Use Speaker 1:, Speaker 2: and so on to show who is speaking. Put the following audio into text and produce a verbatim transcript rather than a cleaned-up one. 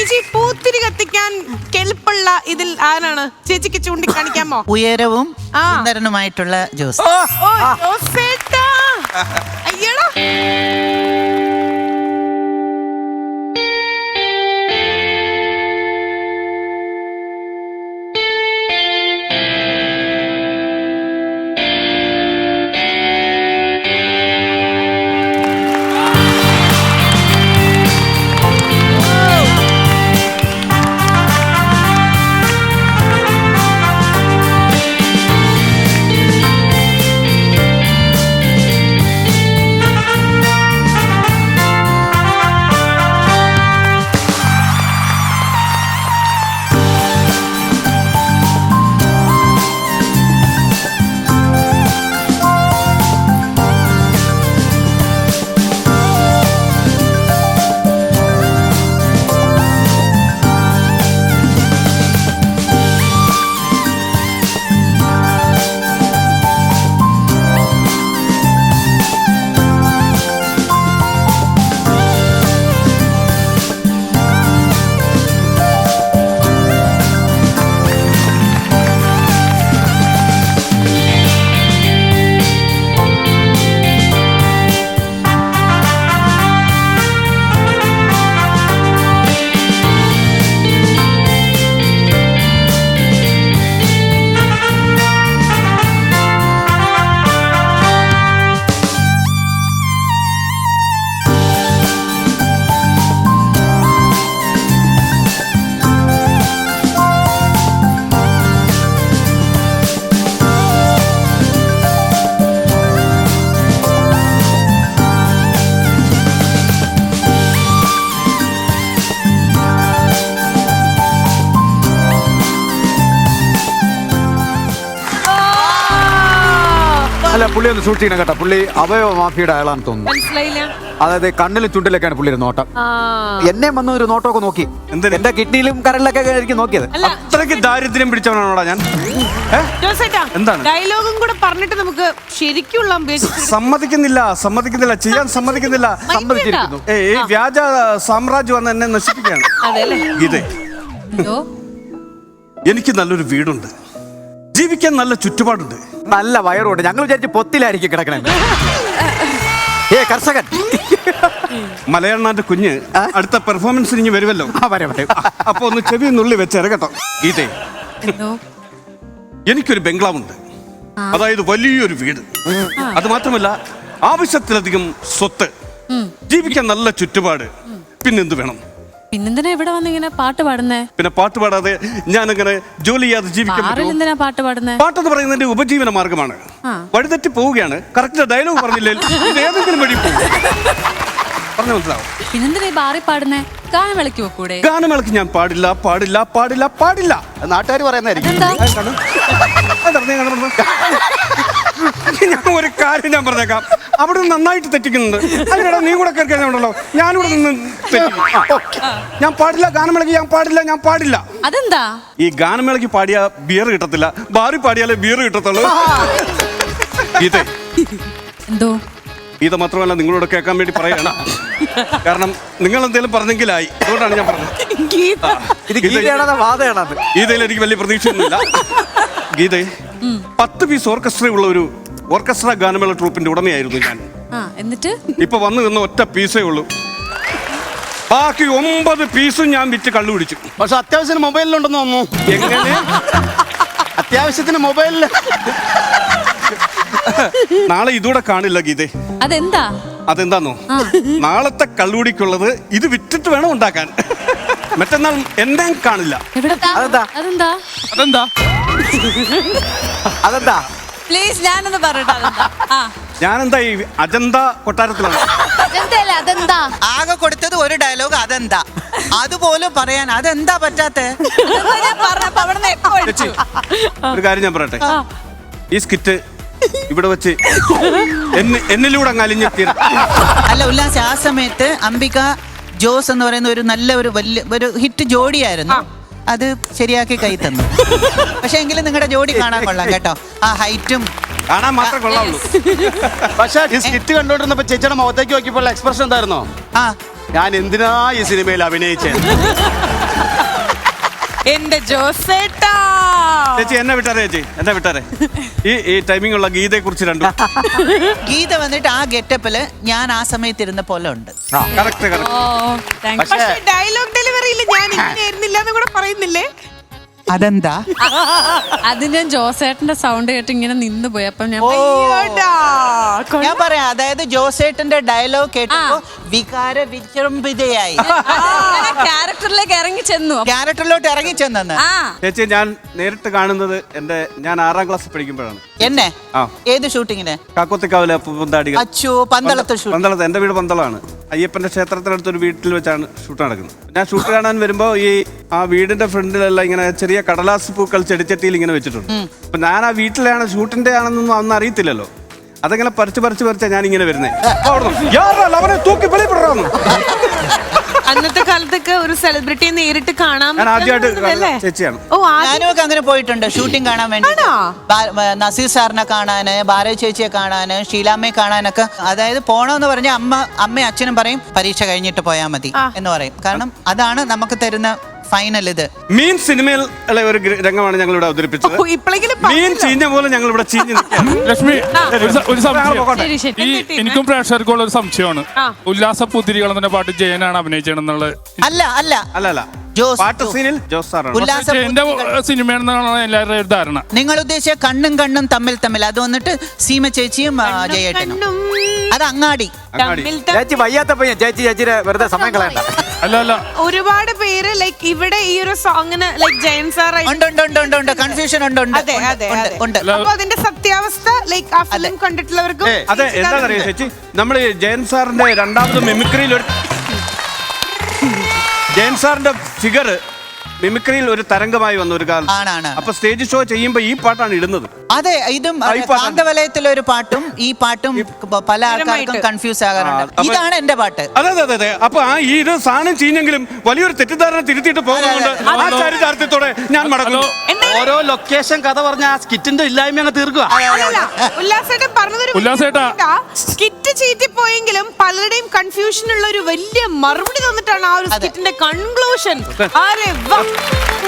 Speaker 1: ചേച്ചി പൂത്തിരി കത്തിക്കാൻ കെൽപ്പുള്ള ഇതിൽ ആരാണ് ചേച്ചിക്ക് ചൂണ്ടിക്കാണിക്കാമോ?
Speaker 2: ഉയരവും സുന്ദരനുമായിട്ടുള്ള ജോസ്.
Speaker 1: ഓ ജോസേട്ടാ, അയ്യടാ.
Speaker 3: അല്ല, പുള്ളി ഒന്ന് സൂക്ഷിക്കണം കേട്ടോ. പുള്ളി അവയവ മാഫിയുടെ അയാളാന്ന് തോന്നുന്നു.
Speaker 1: മനസ്സിലായില്ല.
Speaker 3: അതായത് കണ്ണിലും ചുണ്ടിലൊക്കെയാണ് പുള്ളിയുടെ നോട്ടം. എന്നെ വന്ന ഒരു നോട്ടമൊക്കെ നോക്കി, എന്റെ കിഡ്നിയിലും കരളിലൊക്കെ ആയിരിക്കും നോക്കിയത്.
Speaker 4: അത്രയ്ക്ക് ദാരിദ്ര്യം പിടിച്ചവനാണോടാ ഞാൻ?
Speaker 1: എന്താണ് ഡയലോഗും കൂടെ പറഞ്ഞിട്ട് നമുക്ക് ശരിക്കുള്ള
Speaker 4: സമ്മതിക്കുന്നില്ല സമ്മതിക്കുന്നില്ല ചെയ്യാൻ സമ്മതിക്കുന്നില്ല. സമ്മതിച്ചിരിക്കുന്നു. ഏ വ്യാജ സാമ്രാജ്യം വന്ന് എന്നെ നശിപ്പിക്കുകയാണ്. ഗീതേ, എനിക്ക് നല്ലൊരു വീടുണ്ട്, ജീവിക്കാൻ നല്ല ചുറ്റുപാടുണ്ട്,
Speaker 3: നല്ല വയറുണ്ട്. ഞങ്ങൾ വിചാരിച്ച് പൊത്തിലായിരിക്കും കിടക്കണേ. ഏ കർഷകൻ
Speaker 4: മലയാളനാന്റെ കുഞ്ഞ് അടുത്ത പെർഫോമൻസിന് ഇനി വരുമല്ലോ. അപ്പൊ ഒന്ന് ചെവി നുള്ളി വെച്ചേരെ കേട്ടോ. ഗീതേ, എനിക്കൊരു ബംഗ്ലാവുണ്ട്, അതായത് വലിയൊരു വീട്. അത് മാത്രമല്ല ആവശ്യത്തിലധികം സ്വത്ത്, ജീവിക്കാൻ നല്ല ചുറ്റുപാട്. പിന്നെന്ത് വേണം?
Speaker 5: പിന്നെന്തിനാ ഇവിടെ വന്നിങ്ങനെ പാട്ട് പാടുന്നേ? പിന്നെ
Speaker 4: പാട്ട് പാടാതെ ഞാൻ അങ്ങനെ ജോലി ചെയ്യാതെ ജീവിക്കാൻ
Speaker 5: എന്തിനാ പാട്ട് പാടുന്നേ?
Speaker 4: പാട്ടെന്ന് പറയുന്നതിന്റെ ഉപജീവന മാർഗമാണ്. വഴിതെറ്റി പോവുകയാണ്. കറക്റ്റ് ഡയലോഗ് പറഞ്ഞില്ലേ? ഏതെങ്കിലും വഴി പോകും. പറഞ്ഞു മനസ്സിലാവും.
Speaker 5: പിന്നെന്തിനാ ബാറി പാടുന്നേ? ഗാനമേളയ്ക്ക് വെക്കൂടെ?
Speaker 4: ഗാനമേളയ്ക്ക് ഞാൻ പാടില്ല പാടില്ല പാടില്ല പാടില്ല.
Speaker 3: നാട്ടുകാർ പറയുന്നതായിരിക്കും.
Speaker 4: ഞാൻ ഒരു കാര്യം ഞാൻ പറഞ്ഞേക്കാം, അവിടെ നന്നായിട്ട് തെറ്റിക്കുന്നുണ്ട്. അതിനിടെ നീ കൂടെ കയറി കഴിഞ്ഞുണ്ടല്ലോ, ഞാനിവിടെ നിന്ന് ഞാൻ പാടില്ല, ഗാനമേളയ്ക്ക് ഞാൻ പാടില്ല, ഞാൻ പാടില്ല.
Speaker 5: അതെന്താ?
Speaker 4: ഈ ഗാനമേളയ്ക്ക് പാടിയ ബിയർ കിട്ടത്തില്ല, ബാറി പാടിയാലേ ബിയർ കിട്ടത്തുള്ളൂ. ഗീതേ,
Speaker 5: എന്തോ
Speaker 4: ഗീത മാത്രമല്ല നിങ്ങളോട് കേൾക്കാൻ വേണ്ടി പറയണം. കാരണം നിങ്ങൾ എന്തെങ്കിലും പറഞ്ഞെങ്കിലായി, അതുകൊണ്ടാണ് ഞാൻ പറഞ്ഞത്. ഗീതയിൽ എനിക്ക് വലിയ പ്രതീക്ഷയൊന്നുമില്ല. ഗീതേ, പത്ത് പീസ് ഓർക്കസ്ട്ര ഉള്ള ഒരു ഓർക്കസ്ട്ര ഗാനമേള ട്രൂപ്പിന്റെ ഉടമയായിരുന്നു ഞാൻ.
Speaker 5: എന്നിട്ട്
Speaker 4: ഇപ്പൊ വന്നു നിന്ന ഒറ്റ പീസേ ഉള്ളൂ, ബാക്കി ഒമ്പത് പീസും ഞാൻ വിറ്റ് കള്ളു പിടിച്ചു.
Speaker 3: പക്ഷെ അത്യാവശ്യത്തിന് മൊബൈലിലുണ്ടെന്ന് തോന്നുന്നു.
Speaker 4: എങ്ങനെ?
Speaker 3: അത്യാവശ്യത്തിന് മൊബൈലില്.
Speaker 4: നാളെ ഇതൂടെ കാണില്ല ഗീതേ.
Speaker 5: അതെന്താ?
Speaker 4: അതെന്താന്നോ, നാളത്തെ കള്ളുടിക്കുള്ളത് ഇത് വിറ്റിട്ട് വേണം ഉണ്ടാക്കാൻ. മറ്റന്നാൾ എന്നെ കാണില്ല.
Speaker 5: അതെന്താ? അതെന്താ?
Speaker 4: അതെന്താ?
Speaker 3: അതെന്താ?
Speaker 5: പ്ലീസ് ഞാനൊന്ന് പറയട്ടെ.
Speaker 4: ഞാനെന്താ ഈ അജന്ത കൊട്ടാരത്തിലാണ്.
Speaker 5: അതെന്താ?
Speaker 2: ആകെ കൊടുത്തത് ഒരു ഡയലോഗ്, അതെന്താ? അതുപോലും പറയാൻ അതെന്താ പറ്റാത്ത?
Speaker 4: ഒരു കാര്യം ഞാൻ പറയട്ടെ, ഈ സ്കിറ്റ് ഇവിടെ വെച്ച് എന്നിലൂടെ അങ്ങ് അലിഞ്ഞെത്തിയ.
Speaker 2: അല്ല ഉല്ലാസ്, ആ സമയത്ത് അംബിക ജോസ് എന്ന് പറയുന്ന ഒരു നല്ല ഒരു വലിയ ഒരു ഹിറ്റ് ജോഡിയായിരുന്നു. അത് ശരിയാക്കി കൈ തന്നു. പക്ഷെ എങ്കിലും നിങ്ങളുടെ ജോഡി കാണാൻ കൊള്ളാം കേട്ടോ. ആ ഹൈറ്റും
Speaker 4: കാണാൻ മാത്രം കൊള്ളാവുള്ളൂ.
Speaker 3: പക്ഷെ ഈ സ്കിറ്റ് കണ്ടോണ്ടിരുന്നപ്പോ ചേച്ചിയുടെ മുഖത്തേക്ക് നോക്കിയപ്പോൾ എക്സ്പ്രഷൻ എന്തായിരുന്നോ?
Speaker 2: ആ
Speaker 3: ഞാൻ എന്തിനാ ഈ സിനിമയിൽ അഭിനയിച്ചത്?
Speaker 1: എന്റെ ജോസേട്ടാ.
Speaker 4: ചേച്ചി എന്നെ വിട്ടാരെ ചേച്ചി എന്നെ വിട്ടാരെ ഈ ഈ ടൈമിംഗ് ഉള്ള ഗീതയെ കുറിച്ച് രണ്ടും
Speaker 2: ഗീത വന്നിട്ട് ആ ഗെറ്റപ്പില് ഞാൻ ആ സമയത്ത് ഇരുന്ന പോലെ ഉണ്ട്.
Speaker 4: Correct correct.
Speaker 5: Oh thank you.
Speaker 1: പക്ഷെ ഡയലോഗ് ഡെലിവറിയിൽ ഞാൻ ഇങ്ങനെ ആയിരുന്നില്ല എന്ന് കൂടെ പറയുന്നില്ലേ?
Speaker 2: അതെന്താ?
Speaker 5: അത് ഞാൻ ജോസേട്ടന്റെ സൗണ്ട് കേട്ട് ഇങ്ങനെ നിന്ന് പോയി. അപ്പം ഞാൻ
Speaker 1: അയ്യോടാ.
Speaker 2: ഞാൻ പറയാം, അതായത് ജോസേട്ടന്റെ ഡയലോഗ് കേട്ടപ്പോ വികാര വിജൃംഭിതയായി
Speaker 5: ക്യാരക്ടറിലേക്ക് ഇറങ്ങി ചെന്നു.
Speaker 2: ക്യാരക്ടറിലോട്ട് ഇറങ്ങി ചെന്നെന്ന്.
Speaker 5: ആ
Speaker 4: ചേച്ചി ഞാൻ നേരിട്ട് കാണുന്നത് എന്റെ ഞാൻ ആറാം ക്ലാസ്സിൽ പഠിക്കുമ്പോഴാണ്.
Speaker 2: എന്നെ
Speaker 4: ആ
Speaker 2: ഏത് ഷൂട്ടിങ്ങിന്?
Speaker 4: കാക്കോത്തിക്കാവിലെ അപ്പൂപ്പന്താടികൾ.
Speaker 2: അച്ചു പന്തളത്ത് ഷൂട്ട്.
Speaker 4: പന്തളത്ത് എന്റെ വീട് പന്തളാണ്. അയ്യപ്പന്റെ ക്ഷേത്രത്തിനടുത്ത് ഒരു വീട്ടിൽ വെച്ചാണ് ഷൂട്ട് നടക്കുന്നത്. ഞാൻ ഷൂട്ട് കാണാൻ വരുമ്പോ ഈ ആ വീടിന്റെ ഫ്രണ്ടിലെല്ലാം ഇങ്ങനെ ചെറിയ കടലാസ് പൂക്കൾ ചെടിച്ചട്ടിയിൽ ഇങ്ങനെ വെച്ചിട്ടുണ്ട്. അപ്പൊ ഞാൻ ആ വീട്ടിലാണ് ഷൂട്ടിന്റെ ആണെന്നൊന്നും അന്ന് അറിയത്തില്ലല്ലോ. അതങ്ങനെ പറിച്ച് പറിച്ച് പറിച്ചാ ഞാൻ ഇങ്ങനെ വരുന്നേ. തൂക്കി വെളിപ്പെടാന്ന്
Speaker 1: അന്നത്തെ കാലത്തൊക്കെ ഒരു സെലിബ്രിറ്റിയെ നേരിട്ട് കാണാൻ
Speaker 4: ഞാൻ ആദ്യമായിട്ട്
Speaker 1: പറ്റുന്നതല്ലേ?
Speaker 4: ചേച്ചിയാണ്.
Speaker 1: ഓ ആദ്യം-
Speaker 2: ഞാനും ഒക്കെ അങ്ങനെ പോയിട്ടുണ്ട് ഷൂട്ടിംഗ് കാണാൻ വേണ്ടി.
Speaker 1: ആണോ?
Speaker 2: ബാ- ബ- നസീർ സാറിനെ കാണാന്, ഭാരതി ചേച്ചിയെ കാണാന്, ഷീലാമ്മയെ കാണാനൊക്കെ. അതായത് പോണോന്ന് പറഞ്ഞാൽ അമ്മ അമ്മയും അച്ഛനും പറയും പരീക്ഷ കഴിഞ്ഞിട്ട് പോയാൽ മതി എന്ന് പറയും. കാരണം അതാണ് നമുക്ക് തരുന്ന ഫൈനൽ. ഇത്
Speaker 4: മീൻ സിനിമയിൽ ഉള്ള ഒരു ഗ്ര- രംഗമാണ് ഞങ്ങൾ ഇവിടെ അവതരിപ്പിച്ചത്.
Speaker 1: ഓ, ഇപ്പളെങ്കിലും
Speaker 4: മീൻ
Speaker 1: പറഞ്ഞല്ലോ.
Speaker 4: ചീഞ്ഞ പോലെ ഞങ്ങൾ ഇവിടെ ചീഞ്ഞ് നിൽക്കുകയാണ്.
Speaker 6: ലക്ഷ്മി ഒരു സ- ഒരു സംശയം.
Speaker 5: ശരി ശരി.
Speaker 6: ഈ എനിക്കും പ്രേക്ഷകർക്കുള്ള ഒരു സംശയമാണ്. ഉല്ലാസ പുത്തിരികൾ എന്ന പാട്ട് ജയനാണ് അഭിനയിച്ചതെന്നുള്ളത്.
Speaker 2: അല്ല അല്ല
Speaker 4: അല്ല അല്ല
Speaker 2: ജോസ്
Speaker 4: പാട്ട് സീനിൽ ജോസ് സാറാണ്.
Speaker 2: ഉല്ലാസ
Speaker 6: ജയന്റെ സിനിമയാണെന്നാണ് എല്ലാവരുടെയും ഒരു ധാരണ.
Speaker 2: നിങ്ങൾ ഉദ്ദേശിച്ച കണ്ണും കണ്ണും തമ്മിൽ തമ്മിൽ അത് വന്നിട്ട് സീമ ചേച്ചിയും ആ, ജയേട്ടനും.
Speaker 1: കണ്ണും
Speaker 2: അത് അങ്ങാടി.
Speaker 4: അങ്ങാടി.
Speaker 1: തമ്മിൽ തമ്മിൽ
Speaker 3: ചേച്ചി വയ്യാത്ത പയ്യൻ, ചേച്ചി ചേച്ചിയുടെ വെറുതെ സമയം കളയണ്ട.
Speaker 6: അല്ല അല്ല
Speaker 1: ഒരുപാട് പേര് ലൈക്ക് ഇവിടെ ഈ ഒരു സോങ്ങിന് ലൈക്ക് ജയൻ സാർ
Speaker 2: ഉണ്ട് ഉണ്ട് ഉണ്ട് ഉണ്ട് ഉണ്ട് കൺഫ്യൂഷൻ ഉണ്ട് ഉണ്ട്
Speaker 1: അതെ അതെ
Speaker 2: ഉണ്ട്,
Speaker 1: അതെ.
Speaker 2: ഉണ്ട്.
Speaker 1: അപ്പൊ അതിന്റെ സത്യാവസ്ഥ ലൈക്ക് ആ ഫിലിം കണ്ടിട്ടുള്ളവർക്കും
Speaker 4: അതെ എന്താണെന്നറിയോ ചേച്ചി, നമ്മൾ ജയൻ സാറിന്റെ രണ്ടാമത് മിമിക്രിയിൽ ഒരു ജയൻ സാറിന്റെ ഫിഗർ മിമിക്രിയിൽ ഒരു തരംഗമായി വന്ന ഒരു കാലം.
Speaker 2: ആണാണ്.
Speaker 4: അപ്പൊ സ്റ്റേജ് ഷോ ചെയ്യുമ്പോ ഈ പാട്ടാണ് ഇടുന്നത്.
Speaker 2: അതെ ഇതും
Speaker 4: ആ, ഈ പാട്ടാണ്.
Speaker 2: കാന്തവലയത്തിലെ ഒരു പാട്ടും ഈ പാട്ടും പല ആൾക്കാർക്കും കൺഫ്യൂസ് ആകാറുണ്ട്.
Speaker 4: ആ, അപ്പൊ-
Speaker 2: ഇതാണ് എന്റെ പാട്ട്.
Speaker 4: അതെ അതെ അതെ അതെ. അപ്പൊ ആ ഈ ഇത് സാധനം ചീഞ്ഞെങ്കിലും വലിയൊരു തെറ്റിദ്ധാരണ തിരുത്തിയിട്ട് പോകുന്നുണ്ട്. ആ ചാരിതാർത്ഥ്യത്തോടെ ഞാൻ മടങ്ങുന്നു.
Speaker 7: ഓരോ ലൊക്കേഷൻ കഥ പറഞ്ഞ ആ സ്കിറ്റിന്റെ ഇല്ലായ്മ അങ്ങ് തീർക്കുക.
Speaker 1: ഉല്ലാസേട്ടൻ പറഞ്ഞതൊരു
Speaker 6: ഉല്ലാസേട്ടാ.
Speaker 1: സ്കിറ്റ് ചീറ്റിപ്പോയെങ്കിലും പലരുടെയും കൺഫ്യൂഷൻ ഉള്ള ഒരു വലിയ മറുപടി തന്നിട്ടാണ് ആ ഒരു സ്കിറ്റിന്റെ കൺക്ലൂഷൻ. അരെ വാ.